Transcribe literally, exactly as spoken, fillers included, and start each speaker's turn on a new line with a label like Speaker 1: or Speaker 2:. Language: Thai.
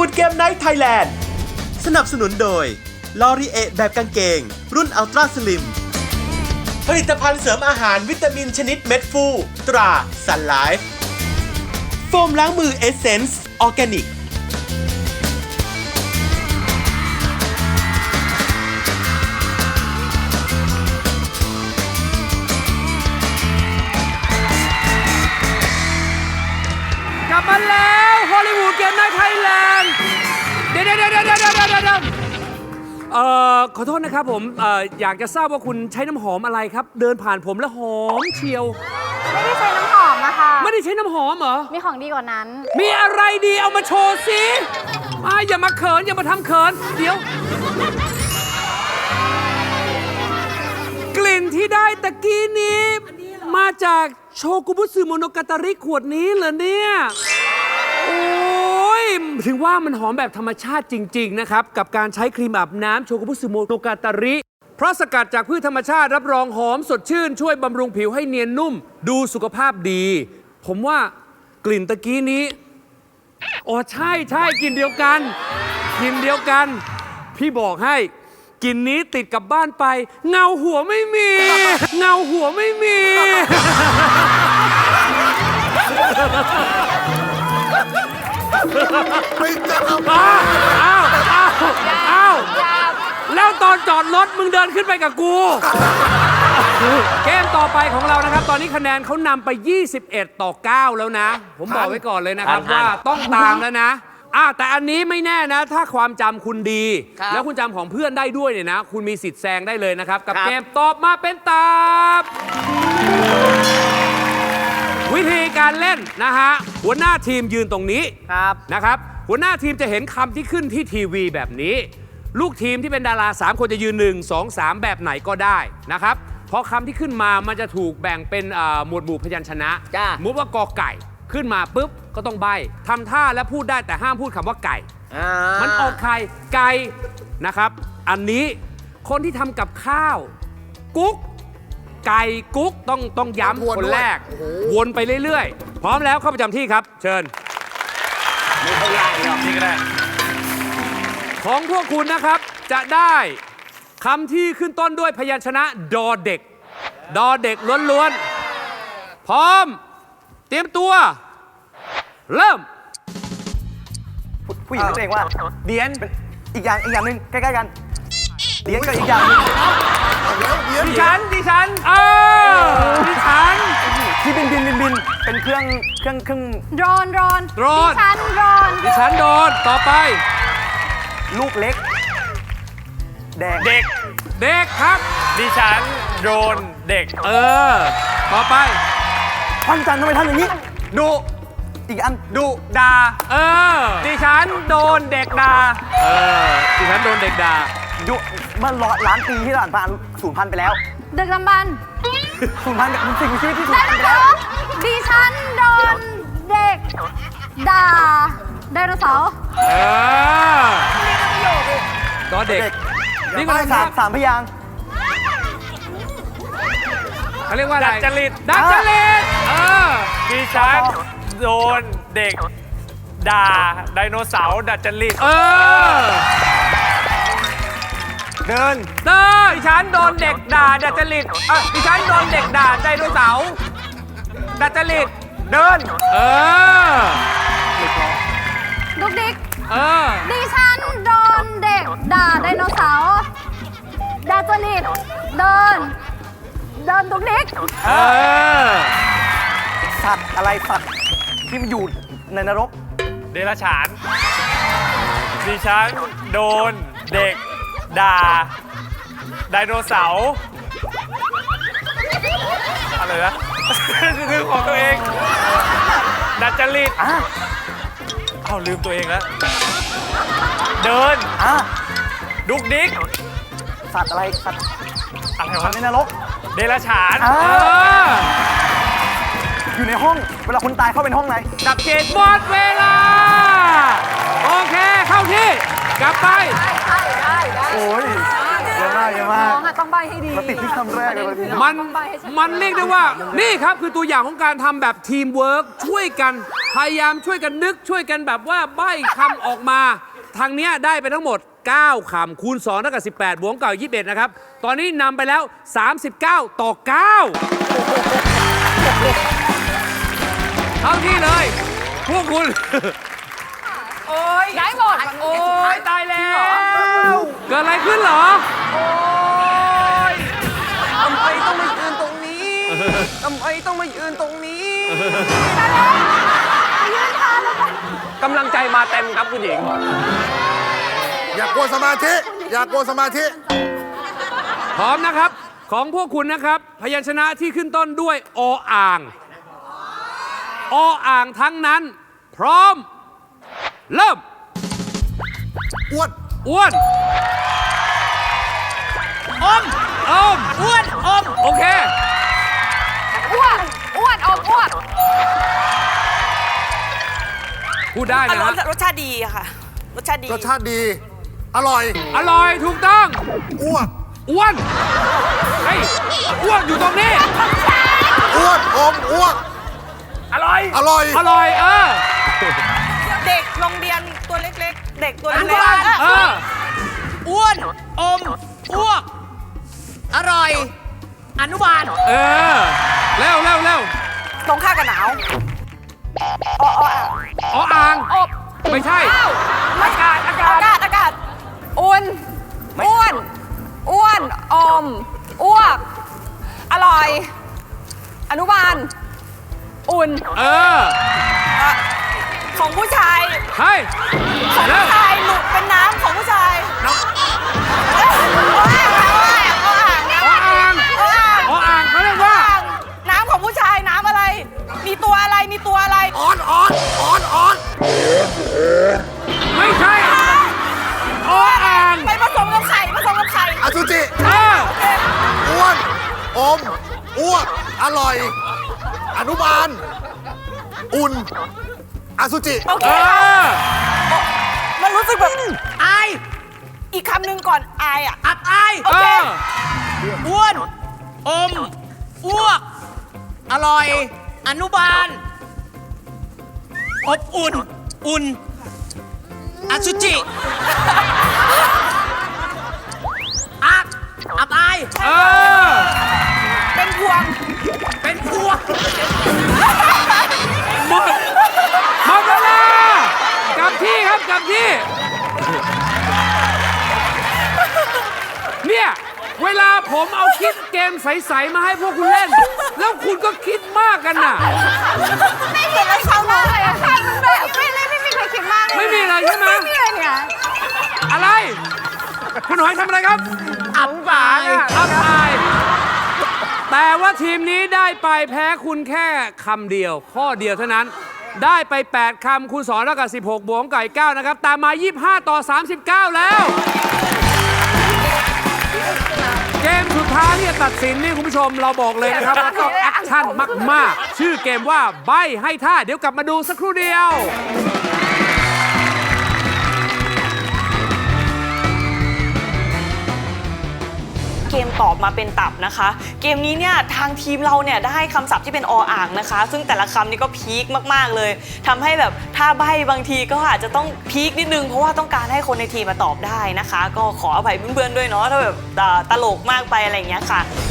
Speaker 1: เกมไนท์ไทยแลนด์สนับสนุนโดยลอรีเอแบบกางเกงรุ่นอัลตร้าสลิมผลิตภัณฑ์เสริมอาหารวิตามินชนิดเม็ดฟูตราซันไลฟ์โฟมล้างมือเอเซนส์ออร์แกนิก
Speaker 2: กลับมาแล้วฮอลลีวูดเกมไนท์ไทยแลนด์เดี๋ยวเดี๋ยวเดี๋ยวเดี๋ยวเดี๋ยวเดี๋ยวเดี๋ยวเอ่อขอโทษนะครับผมเอ่ออยากจะทราบว่าคุณใช้น้ำหอมอะไรครับ เดินผ่านผมแล้วหอมเชียว
Speaker 3: ไม่ได้ใช้น้ำหอมนะคะ
Speaker 2: ไม่ได้ใช้น้ำหอมเหรอ
Speaker 3: มีของดีกว่านั้น
Speaker 2: มีอะไรดีเอามาโชว์สิอ่าอย่ามาเขินอย่ามาทำเขินเดี๋ยว กลิ่นที่ได้ตะกี้นี้ มาจากโชกุบุสึโมโนกาตาริขวดนี้เหรอเนี่ย โอ้ยถึงว่ามันหอมแบบธรรมชาติจริงๆนะครับกับการใช้ครีมอาบน้ำโชกุบุสึโมโนกาตาริเพราะสกัดจากพืชธรรมชาติรับรองหอมสดชื่นช่วยบำรุงผิวให้เนียนนุ่มดูสุขภาพดี ผมว่ากลิ่นตะกี้นี้อ๋อใช่ใช่กลิ่นเดียวกันกลิ่นเดียวกัน พี่บอกให้กลิ่นนี้ติดกับบ้านไป เงาหัวไม่มี เงาหัวไม่มี อ้าวอ้าวอ้าวอ้าวแล้วตอนจอดรถมึงเดินขึ้นไปกับกู เกมต่อไปของเรานะครับ ตอนนี้คะแนนเขานำไปยี่สิบเอ็ดต่อเก้าแล้วนะ ผมบอกไว้ก่อนเลยนะครับว่าต้องตามแล้วนะอ่ะแต่อันนี้ไม่แน่นะ ถ้าความจำคุณดี แล้วคุณจำของเพื่อนได้ด้วยเนี่ยนะ คุณมีสิทธิ์แซงได้เลยนะครับ กับเกมตอบมาเป็นตาบวิธีการเล่นนะฮะหัวหน้าทีมยืนตรงนี้นะครับหัวหน้าทีมจะเห็นคำที่ขึ้นที่ทีวีแบบนี้ ลูกทีมที่เป็นดาราสามคนจะยืนหนึ่ง สอง สามแบบไหนก็ได้นะครับพอคำที่ขึ้นมามันจะถูกแบ่งเป็นหมวดหมู่พยัญชนะสมมติว่ากอไก่ขึ้นมาปุ๊บก็ต้องใบ้ทำท่าและพูดได้แต่ห้ามพูดคำว่าไก่มันออกไข่ไก่นะครับอันนี้คนที่ทำกับข้าวกุ๊กไก่กุ๊กต้องต้องย้ำคนแรกวนไปเรื่อยๆพร้อมแล้วเข้าประจำที่ครับเชิญไม่เท่าไรหรอกนี่ก็ได้ของพวกคุณนะครับจะได้คำที่ขึ้นต้นด้วยพยัญชนะดอเด็กดอเด็กล้วนๆพร้อมเตรียมตัวเริ่ม
Speaker 4: ผู้หญิงตัวเองว่าเดียนอีกอย่างอีกอย่างหนึ่งใกล้ๆกันเดียนก็อีกอย่างหนึ่ง
Speaker 2: ดิฉันดิฉันเออดิฉัน
Speaker 4: ที่บินบินบินบินเป็นเครื่องเครื่องเครื่อง
Speaker 3: โดรนโดรน
Speaker 2: โดรน
Speaker 3: ดิฉันโดรน
Speaker 2: ดิฉันโดนต่อไป
Speaker 4: ลูกเล็กแดง
Speaker 2: เด็กเด็กครับ
Speaker 5: ดิฉันโดนเด็ก
Speaker 2: เออต่อไป
Speaker 4: พันจันทำไมทำอย่างนี้ดูอีกอัน
Speaker 2: ดุดาเออดิฉันโดนเด็กดาเออดิฉันโดนเด็กดา
Speaker 4: ดูเมื่อล้านปีที่ผ่านมาสูญพันธุ์ไปแล้ว
Speaker 3: เด็กลำบัน
Speaker 4: สูญพันธุ์กับสิ่งมีชีวิตที่สูญพันธุ์ไป
Speaker 3: แล้
Speaker 4: ว
Speaker 3: ดิฉันโดนเด็กด่าไดโนเสาร์
Speaker 2: เออก็เด็ก
Speaker 4: นี่ก็สามสามพยาง
Speaker 2: เขาเรียกว่าอะไร
Speaker 5: ดัดจริต
Speaker 2: ดัดจริตเออ
Speaker 5: ดิฉันโดนเด็กด่าไดโนเสาร์ดัดจริต
Speaker 2: เออ
Speaker 4: เดิน
Speaker 2: เดินดิฉันโดนเด็กด่าดัดจริตอ่ะดิฉันโดนเด็กด่าไดโนเสาร์ดัดจริต
Speaker 4: เดิน
Speaker 2: เออ
Speaker 3: ดุกดิก
Speaker 2: เออ
Speaker 3: ดิฉันโดนเด็กด่าไดโนเสาร์ดัดจริตเดินเดินดุกดิก
Speaker 2: เออ
Speaker 4: สัตว์อะไรสัตว์ที่มันอยู่ในนรก
Speaker 5: เดรัจฉานดิฉันโดนเด็กด่าไดโนเสาร์อะไรนะลืมของตัวเองดัดจริต
Speaker 4: อ่ะ
Speaker 5: เอ้าลืมตัวเองแล้วเดิน
Speaker 4: อ่ะ
Speaker 5: ดุกดิก
Speaker 4: สัตว์อะไรสัตว์
Speaker 5: อะไรวะ
Speaker 4: ในนรก
Speaker 5: เดรัจฉาน
Speaker 4: อยู่ในห้องเวลาคนตายเข้าเป็นห้องไหน
Speaker 2: ดับเกตหมดเวลาโอเคเข้าที่กลับไป
Speaker 3: ได้ได้ได้
Speaker 4: โอ้ยเยอะมากเยอะมาก
Speaker 3: น้องต้องใบให้ดี
Speaker 4: มาติดที่คำแรกเลย
Speaker 2: มันมันเรียกได้ว่านี่ครับคือตัวอย่างของการทำแบบทีมเวิร์กช่วยกันพยายามช่วยกันนึกช่วยกันแบบว่าใบ้คำออกมา ทางเนี้ยได้ไปทั้งหมด เก้า คำ คูณ สอง เท่ากับ สิบแปด บวกเก่า ยี่สิบเอ็ด นะครับ ตอนนี้นำไปแล้ว สามสิบเก้า ต่อ เก้า เข้าที่เลย พวกคุณ
Speaker 3: โอ้ยได้หมด
Speaker 2: โอ้ยตายแล้ว เกิดอะไรขึ้นเหรอ
Speaker 4: โอ๊ยทำไมต้องมายืนตรงนี้ทำไมต้องมายืนตรงนี้กำลังใจมาเต็มครับคุณหญิง
Speaker 6: อย่ากลัวสมาธิ อย่ากลัวสมาธิ
Speaker 2: พร้อมนะครับ ของพวกคุณนะครับ พยัญชนะที่ขึ้นต้นด้วยออ่างออ่างทั้งนั้น พร้อม เริ่ม
Speaker 6: อ้วน
Speaker 2: อ้วน
Speaker 3: อม
Speaker 2: อม
Speaker 3: อ้วนอม
Speaker 2: โอเค
Speaker 3: อ้วนอ้วนอมอ้วน
Speaker 2: พูดได้นะ
Speaker 7: ร
Speaker 2: ฮะ
Speaker 7: สรสชาติดีอะค่ะ รสชาติดี
Speaker 6: รสชาติดี อร่อย
Speaker 2: อร่อยถูกต้อง
Speaker 6: อ้วน
Speaker 2: อ้วนเฮ้ยอ้วนอยู่ตรงนี้
Speaker 6: อ้วนอมอ้วน
Speaker 2: อร่อย
Speaker 6: อร่อย
Speaker 2: อร่อย เออ
Speaker 7: เด็กโรงเรียนตัวเล็กๆ เด็กตัว
Speaker 2: อนุ
Speaker 7: เล็ก
Speaker 2: บาลเออ
Speaker 3: อ้วนอมอ้วกอร่อย อนุบาล
Speaker 2: เออ เร็วเร็วเร็ว
Speaker 7: ๆตรงข้ามกับหนาวอ๋ออ๋ออ่ะ
Speaker 2: อ๋ออ่าง
Speaker 7: อบ
Speaker 2: ไม่ใช่
Speaker 7: อากาศอากาศอากาศอากาศอุ่นอ้วน อ้วนอมอ้วก อร่อย อนุบาล อุ่น
Speaker 2: เออ
Speaker 7: อ่ะของผู้ชาย
Speaker 2: เฮ้ย
Speaker 7: ของ
Speaker 2: เร็ว
Speaker 7: ผู้ชายหลุดเป็นน้ำของผู้ชายน้ำโอ้ยโอ้ยโอ้ยโอ้ย
Speaker 2: อ๋ออ่าง
Speaker 7: โอ้ย
Speaker 2: อ๋ออ่างเขาเรียกว่า
Speaker 7: น้ำของผู้ชายน้ำอะไร มีตัวอะไรมีตัวอะไร
Speaker 6: อ่อนอ่อนอ่อนอ่อน
Speaker 2: ไม่ใช่อ๋ออ่าง
Speaker 7: ไปผสมกับไข่ผสมกับไข่
Speaker 6: อสุจิ
Speaker 2: เออ
Speaker 6: อ้วน อม อ้วก อร่อย อนุบาล อุ่น อสุจิ
Speaker 7: โอ
Speaker 2: เอ
Speaker 7: เค
Speaker 2: อ
Speaker 7: มันรู้สึกแบบ
Speaker 3: อาย
Speaker 7: อีกคำหนึ่งก่อนอายอ่ะ
Speaker 3: อับอาย
Speaker 7: โอ
Speaker 2: เอ
Speaker 7: เค
Speaker 2: อ
Speaker 3: อ้วน อม อ้วก อร่อย อนุบาล อบอุ่น อุ่น อสุจิ อัก อับอาย
Speaker 2: เออ
Speaker 7: เป็นพวง
Speaker 3: เป็นพวก
Speaker 2: หมดหมดเวลา กลับที่ครับ กลับที่ เนี่ย เวลาผมเอาคิดเกมใส ๆ มาให้พวกคุณเล่น แล้วคุณก็คิดมากกันน่ะ
Speaker 7: ไม่เห็นแล้วเขาเลยอะค่ะมันแบบไม่เลยไม่มีใครคิดมากเลย
Speaker 2: ไม่มีอะไรใช่ไหม
Speaker 7: ไม่มีเลยเนี่ย
Speaker 2: อะไร คุณหอยทำอะไรครับ
Speaker 3: อับอาย
Speaker 2: อับอาย แต่ว่าทีมนี้ได้ไปแพ้คุณแค่คำเดียว ข้อเดียวเท่านั้น ได้ไป แปด คำ คูณ สอง แล้วกับ สิบหก บวกไก่ เก้า นะครับ ตามมา ยี่สิบห้า ต่อ สามสิบเก้า แล้ว เกมสุดท้ายที่จะตัดสินนี่คุณผู้ชมเราบอกเลยนะครับว่าต้องแอคชั่นมาก ๆ ชื่อเกมว่าใบ้ให้ท่า เดี๋ยวกลับมาดูสักครู่เดียว
Speaker 7: เกมตอบมาเป็นตับนะคะ เกมนี้เนี่ยทางทีมเราเนี่ยได้คำศัพท์ที่เป็นออ่างนะคะ ซึ่งแต่ละคำนี่ก็พีคมากๆเลยทำให้แบบถ้าใบ้บางทีก็อาจจะต้องพีคนิดนึงเพราะว่าต้องการให้คนในทีมมาตอบได้นะคะ ก็ขออภัยเพื่อนๆด้วยเนาะถ้าแบบตลกมากไปอะไรอย่างเงี้ยค่ะ